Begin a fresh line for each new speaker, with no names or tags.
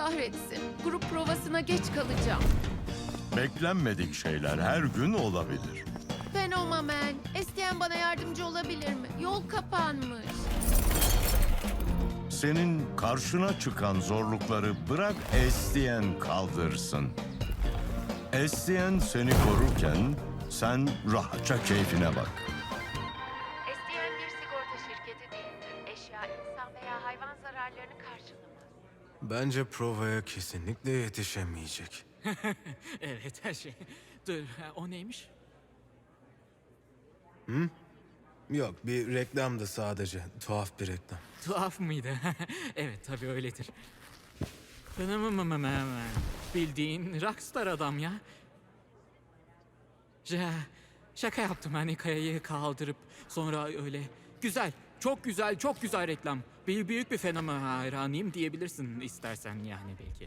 kahretsin. Grup provasına geç kalacağım.
Beklenmedik şeyler her gün olabilir.
Fenomen. Estiyen bana yardımcı olabilir mi? Yol kapanmış.
Senin karşına çıkan zorlukları bırak Estiyen kaldırsın. Estiyen seni korurken sen rahatça keyfine bak.
Estiyen bir sigorta şirketi değildir. Eşya, insan veya hayvan zararlarını karşılamaz.
Bence provaya kesinlikle yetişemeyecek.
Evet, her şey. Dur, o neymiş?
Yok, bir reklamdı sadece. Tuhaf bir reklam.
Tuhaf mıydı? Evet, tabii öyledir. Bildiğin rockstar adam ya. Şaka yaptım, hani kayayı kaldırıp sonra öyle. Güzel, çok güzel, çok güzel reklam. Büyük bir fenomen hayranıyım diyebilirsin istersen yani belki.